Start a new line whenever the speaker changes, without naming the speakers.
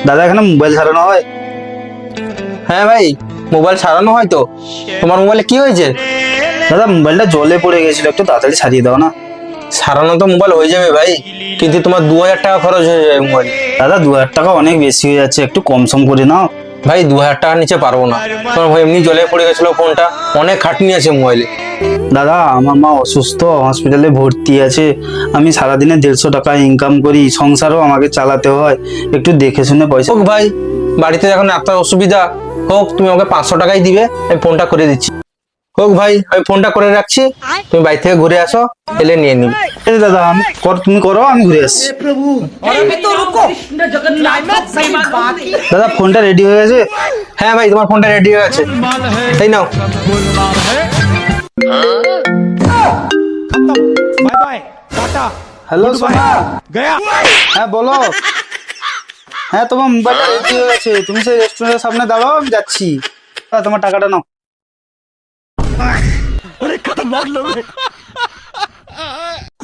দাদা এখানে মোবাইল সারানো হয়?
হ্যাঁ ভাই, মোবাইল সারানো হয় তো। তোমার মোবাইলে কি হয়েছে?
দাদা মোবাইলটা জলে পড়ে গেছিল, একটু তাড়াতাড়ি সারিয়ে দাও না।
সারানো তো মোবাইল হয়ে যাবে ভাই, কিন্তু তোমার 2000 টাকা খরচ হয়ে যাবে মোবাইল।
দাদা 2000 টাকা অনেক বেশি হয়ে যাচ্ছে, একটু কম সম করে নাও।
ভাই 2000 টাকার নিচে পারবো না। তোমার ভাই এমনি জলে পড়ে গেছিল ফোনটা, অনেক খাটনি আছে মোবাইলে।
দাদা আমার মা অসুস্থ, হসপিটালে ভর্তি আছে। আমি সারাদিনে 150 টাকা ইনকাম করি, সংসারও আমাকে চালাতে হয়। একটু দেখে শুনে পয়সা।
হোক ভাই, বাড়িতে এখন এত অসুবিধা, হোক তুমি আমাকে 500 টাকাই দিবে, আমি ফোনটা করে দিচ্ছি। হোক ভাই, আমি ফোনটা করে রাখছি, তুমি বাড়ি থেকে ঘুরে আসো, এলে নিয়ে নিবে।
এই দাদা তুমি করো, আমি ঘুরে আসছি। দাদা ফোনটা রেডি হয়ে গেছে?
হ্যাঁ ভাই, তোমার ফোনটা রেডি হয়ে আছে, তাই নাও।
बाय बाय टाटा
হ্যালো সোনা।
गया।
হ্যাঁ বলো। হ্যাঁ তোমার মোবাইলটা রেডি হয়ে গেছে, তুমি সেই রেস্টুরেন্টের সামনে দাঁড়াও, আমি যাচ্ছি। তোমার টাকাটা নাও।